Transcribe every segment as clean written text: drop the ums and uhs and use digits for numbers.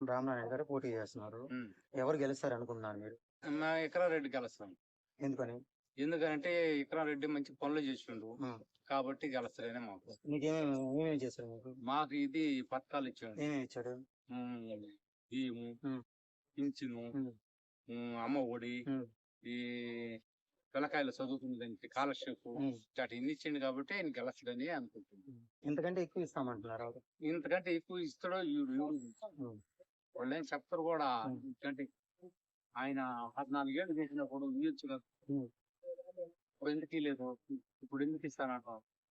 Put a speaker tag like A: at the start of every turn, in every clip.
A: రామనారాయణ గారు పోటీ చేస్తున్నారు.
B: ఉమ్.
A: ఎవరు గెలుస్తారు అనుకుంటున్నారు మీరు?
B: మా ఇకరారెడ్డి గెలుస్తాం.
A: ఎందుకని?
B: ఎందుకంటే ఇకరారెడ్డి మంచి పనులు చేసిండు
A: ఉమ్.
B: కాబట్టి గెలుస్తారనే మాకు.
A: ఏమేమి చేశారు మీకు?
B: మాకు ఇది పథకాలు ఇచ్చాడు.
A: ఏమేమి ఇచ్చాడు?
B: బియ్యము,
A: ఉమ్.
B: పింఛను,
A: ఉమ్.
B: అమ్మ ఒడి,
A: ఉమ్.
B: ఈ పిల్లకాయలు చదువుకునేదానికి స్కాలర్షిప్ ఇట్లాంటి ఇన్ని ఇచ్చిండు కాబట్టి ఆయన గెలుస్తాడని అనుకుంటున్నాను.
A: ఇంతకంటే ఎక్కువ ఇస్తామంటున్నారు వాళ్ళు.
B: ఇంతకంటే ఎక్కువ ఇస్తాడో వాళ్ళు ఏం చెప్తారు కూడా. ఎందుకంటే ఆయన 14 ఏళ్ళు చేసినప్పుడు ఇయ్యొచ్చు కదా. ఇప్పుడు ఎందుకు లేదు, ఇప్పుడు ఎందుకు ఇస్తానంట.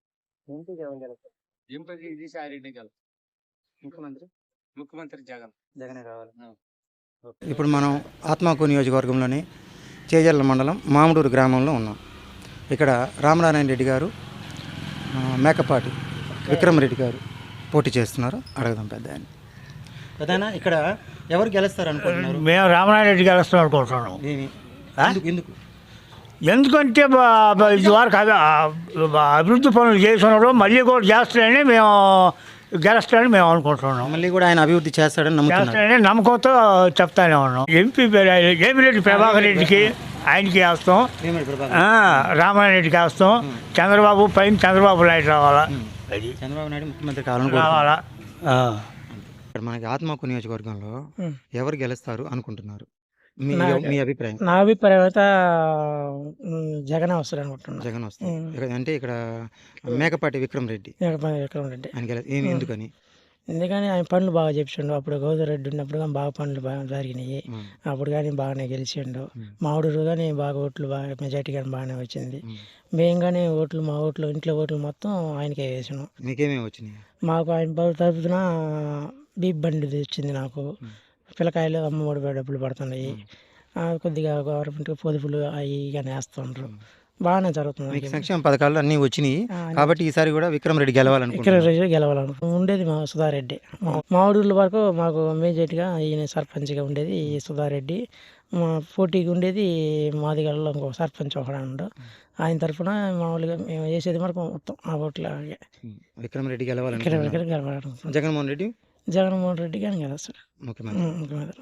B: ఎంపీకి విజయసాయిరెడ్డి గెలుస్తాడు. ముఖ్యమంత్రి జగనే కావాలి.
A: ఇప్పుడు మనం ఆత్మకూరు నియోజకవర్గంలోని చేజర్ల మండలం మామిడూరు గ్రామంలో ఉన్నాం. ఇక్కడ రామనారాయణ రెడ్డి గారు, మేకపాటి విక్రమరెడ్డి గారు పోటీ చేస్తున్నారు. అడగదాం పెద్దనా ఇక్కడ ఎవరు గెలుస్తారు అనుకుంటున్నారు?
C: మేము రామనారాయణ రెడ్డి గెలుస్తాం అనుకుంటున్నాం.
A: ఎందుకు?
C: ఎందుకంటే ఇదివరకు అభివృద్ధి పనులు చేస్తున్నారు, మళ్ళీ కూడా చేస్తారని మేము గెలుస్తాడని మేము అనుకుంటున్నాం.
A: మళ్ళీ కూడా ఆయన అభివృద్ధి చేస్తాడని
C: నమ్మకంతో చెప్తానే ఉన్నాం. ఎంపీ ఏమిరెడ్డి ప్రభాకర్ రెడ్డికి ఆయనకి వేస్తాం, రామనారాయణ రెడ్డికి వేస్తాం. చంద్రబాబు పైన చంద్రబాబు నాయుడు రావాలా,
A: చంద్రబాబు నాయుడు ముఖ్యమంత్రి
C: రావాలా.
A: మనకి ఆత్మకూరు నియోజకవర్గంలో ఎవరు గెలుస్తారు అనుకుంటున్నారు? మీ అభిప్రాయం?
D: నా అభిప్రాయం అయితే జగన్ వస్తాడు అనుకుంటున్నాను.
A: జగన్ వస్తాడు అంటే ఇక్కడ మేకపాటి విక్రమరెడ్డి ఎందుకని?
D: ఎందుకని ఆయన పనులు బాగా చెప్పిండు. అప్పుడు గౌదరెడ్డి ఉన్నప్పుడు కానీ బాగా పనులు బాగా జరిగినాయి. అప్పుడు కానీ బాగానే గెలిచిండు. మామిడూరు కానీ బాగా ఓట్లు బాగా మెజార్టీ కానీ బాగానే వచ్చింది. మేము కానీ మా ఓట్లు ఇంట్లో ఓట్లు మొత్తం ఆయనకే వేసినాం.
A: మీకేమేమి వచ్చినాయి?
D: మాకు ఆయన తరపున బీప్ బండి వచ్చింది. నాకు పిల్లకాయలు అమ్మఒడి డబ్బులు పడుతున్నాయి. కొద్దిగా గవర్నమెంట్ పొదుపులు అవి కానీ వేస్తుండ్రు. బాగానే జరుగుతుంది.
A: సంక్షేమ పథకాలు అన్నీ వచ్చినాయి కాబట్టి ఈసారి కూడా విక్రమరెడ్డి
D: గెలవాలనుకుంటున్నాం. ఉండేది మా సుధారెడ్డి. మామిడూరు వరకు మాకు మేజర్గా ఈయన సర్పంచ్గా ఉండేది ఈ సుధారెడ్డి. మా పోటీకి ఉండేది మాదిగల్లో ఇంకో సర్పంచ్ ఒకడు. ఆయన తరఫున మామూలుగా మేము వేసేది వరకు మొత్తం ఆ ఓట్ల
A: విక్రమరెడ్డి గెలవాలనుకుంటున్నాం. జగన్మోహన్ రెడ్డి కానీ గెలుస్తాడు ముఖ్యమంత్రి.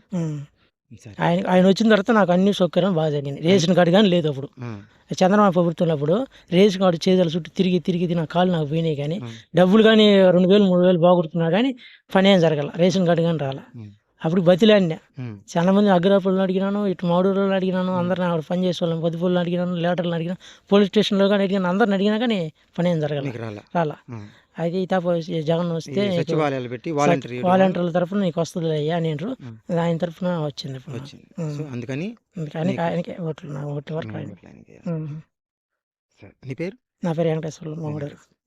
A: ఆయన వచ్చిన తర్వాత నాకు అన్ని సౌకర్యం బాగా జరిగింది. రేషన్ కార్డు కానీ లేదు అప్పుడు చంద్రబాబు ప్రభుత్వంలో. అప్పుడు రేషన్ కార్డు చేతుల చుట్టూ తిరిగి నా కాళ్ళు నాకు పోయినాయి. కానీ డబ్బులు కానీ 2000 3000 బాగుడుతున్నా కానీ పని ఏం జరగాల. రేషన్ కార్డు కానీ రాలా. అప్పుడు బతిలాడినా చాలా మంది అగ్రపులను అడిగినాను, ఇటు మామిడూరులో అడిగినాను, అందరిని అక్కడ పని చేసే వాళ్ళని పొదుపులను అడిగినాను, లేటర్లను అడిగినాను, పోలీస్ స్టేషన్లో కానీ అడిగినాను, అందరిని అడిగినా కానీ పని ఏం జరగాల రాలా. అయితే జగన్ వస్తే వాలంటీర్ల తరఫున నీకు వస్తుంది అయ్యా నేను ఆయన తరఫున వచ్చింది. అందుకని
D: ఆయనకే ఓట్లు వరకు.
A: నా పేరు
D: వెంకటేశ్వర్లు మామిడారు.